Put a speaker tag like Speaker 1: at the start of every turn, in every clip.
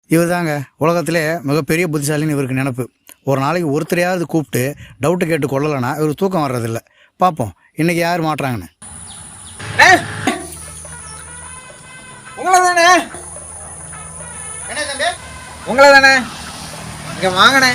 Speaker 1: இவர் தாங்க உலகத்திலே மிகப்பெரிய புத்திசாலின்னு இவருக்கு நினப்பு. ஒரு நாளைக்கு ஒருத்தரையாவது கூப்பிட்டு டவுட்டு கேட்டு கொள்ளலைன்னா இவருக்கு தூக்கம் வர்றதில்ல. பார்ப்போம் இன்றைக்கி யார் மாட்டுறாங்கன்னு.
Speaker 2: உங்களை தானே?
Speaker 1: என்ன தம்பி?
Speaker 2: உங்களை தானே? இங்கே வாங்கினே.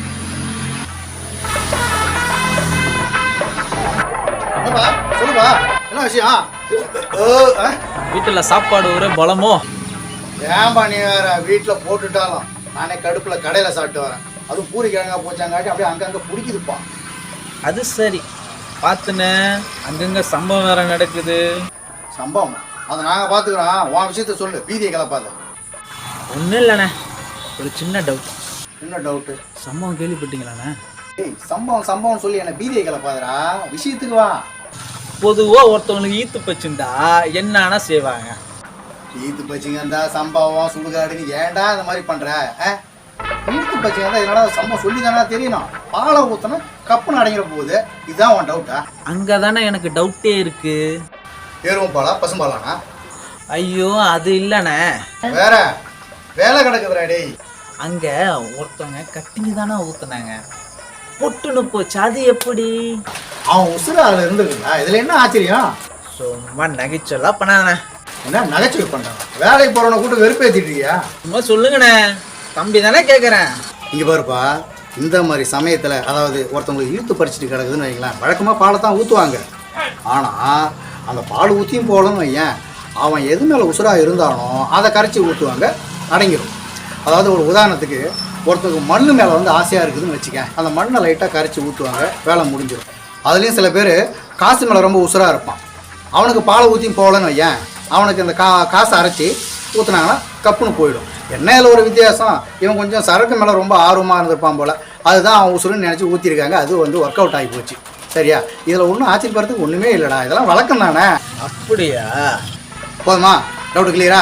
Speaker 1: சொல்லுப்பா, என்ன விஷயம்?
Speaker 2: வீட்டில் சாப்பாடு ஒரு பலமோ?
Speaker 1: ஏன்பா நீ வேற வீட்டில் போட்டுட்டாலும் நானே கடுப்பில் கடையில் சாப்பிட்டு வரேன். அதுவும் பூரி கிழங்கா போச்சாங்காட்டி அப்படியே அங்கங்கே பிடிக்குதுப்பா.
Speaker 2: அது சரி, பார்த்துனே அங்கங்கே சம்பவம் வேற நடக்குது.
Speaker 1: சம்பவம் அதை நாங்கள் பார்த்துக்குறோம். உன் விஷயத்த சொல்லு, பீதியை கிளப்பாத.
Speaker 2: ஒன்றும் இல்லைண்ணே, ஒரு சின்ன டவுட்.
Speaker 1: என்ன டவுட்டு?
Speaker 2: சம்பவம் கேள்விப்பட்டீங்களாண்ணே?
Speaker 1: ஏய், சம்பவம் சொல்லி என்ன பீதியை கிளப்பாதரா, விஷயத்துக்கு வா.
Speaker 2: பொதுவாக ஒருத்தவங்களுக்கு ஈத்து பச்சுண்டா என்னன்னா செய்வாங்க?
Speaker 1: ஈத்து பச்சிங்க இருந்தா சம்பவம் சுடுகாடுன்னு ஏன்டா இந்த மாதிரி பண்ற? ஈத்து பச்சிங்க இருந்தா என்னடா சம்பவம் சொல்லி தானே தெரியணும். பாலை ஊத்தனா கப்புன்னு அடங்கிற போகுது. இதுதான் உன் டவுட்டா?
Speaker 2: அங்கே தானே எனக்கு டவுட்டே இருக்கு.
Speaker 1: எருவும் பாலா பசும்பாலானா?
Speaker 2: ஐயோ அது இல்லைண்ணே,
Speaker 1: வேற வேலை கிடக்குதுடா டேய்.
Speaker 2: அங்கே ஒருத்தவங்க கட்டிங்க தானே ஊத்துனாங்க, பொட்டுன்னு போச்சு. அது எப்படி?
Speaker 1: அவன் உசுறு அதில் இருந்துருக்குங்களா? இதுல என்ன ஆச்சரியம்?
Speaker 2: சும்மா நகைச்சொல்லாம் பண்ணாண்ணே.
Speaker 1: என்ன நகைச்சுவை பண்றான்? வேலைக்கு போறவனை கூட்டு வெறுப்பேத்திட்டியா?
Speaker 2: சும்மா சொல்லுங்கண்ணே, தம்பி தானே கேட்குறேன்.
Speaker 1: இங்க பாருப்பா, இந்த மாதிரி சமயத்துல அதாவது ஒருத்தவங்களுக்கு இழுத்து பறிச்சுட்டு கிடக்குதுன்னு வைங்களேன், வழக்கமா பாலை தான் ஊற்றுவாங்க. ஆனா அந்த பால் ஊற்றியும் போகலன்னு வையன், அவன் எது மேலே உசுரா இருந்தானோ அதை கரைச்சி ஊற்றுவாங்க, அடங்கிடும். அதாவது ஒரு உதாரணத்துக்கு, ஒருத்தருக்கு மண் மேலே வந்து ஆசையாக இருக்குதுன்னு வச்சுக்க, அந்த மண்ணை லைட்டாக கரைச்சி ஊற்றுவாங்க, வேலை முடிஞ்சிடும். அதுலேயும் சில பேர் காசு மேலே ரொம்ப உசுராக இருப்பான். அவனுக்கு பாலை ஊற்றியும் போகலன்னு வையன், அவனுக்கு இந்த காசை அரைச்சி ஊற்றுனாங்கன்னா கப்புன்னு போயிடும். எண்ணெயில் ஒரு வித்தியாசம், இவன் கொஞ்சம் சரக்கு மேலே ரொம்ப ஆர்வமாக இருந்திருப்பான் போல், அதுதான் அவன் உசுருன்னு நினச்சி ஊற்றிருக்காங்க. அது வந்து ஒர்க் அவுட் ஆகி போச்சு. சரியா? இதில் ஒன்றும் ஆச்சரியப்படுறதுக்கு ஒன்றுமே இல்லைடா, இதெல்லாம் வழக்கம் தானே.
Speaker 2: அப்படியா?
Speaker 1: போதுமா? டவுட் கிளியரா?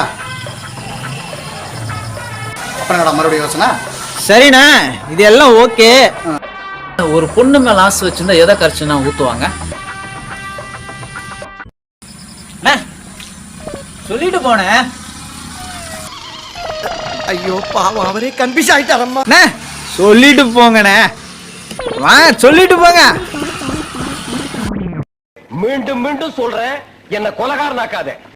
Speaker 1: அப்புறம் மறுபடியும் யோசனை.
Speaker 2: சரிண்ணா, இது எல்லாம் ஓகே. ஒரு பொண்ணு மேல ஆசை வச்சிருந்தா எதை கரைச்சுன்னா ஊத்துவாங்க? சொல்லிட்டு போனேன்.
Speaker 3: ஐயோ பாவம், அவரே கன்ஃபியூஸ் ஆயிட்டாரம்மா.
Speaker 2: சொல்லிட்டு போங்கண்ணே, வாங்க சொல்லிட்டு போங்க.
Speaker 3: மீண்டும் மீண்டும் சொல்றேன், என்ன கொலகாரனாக்காத.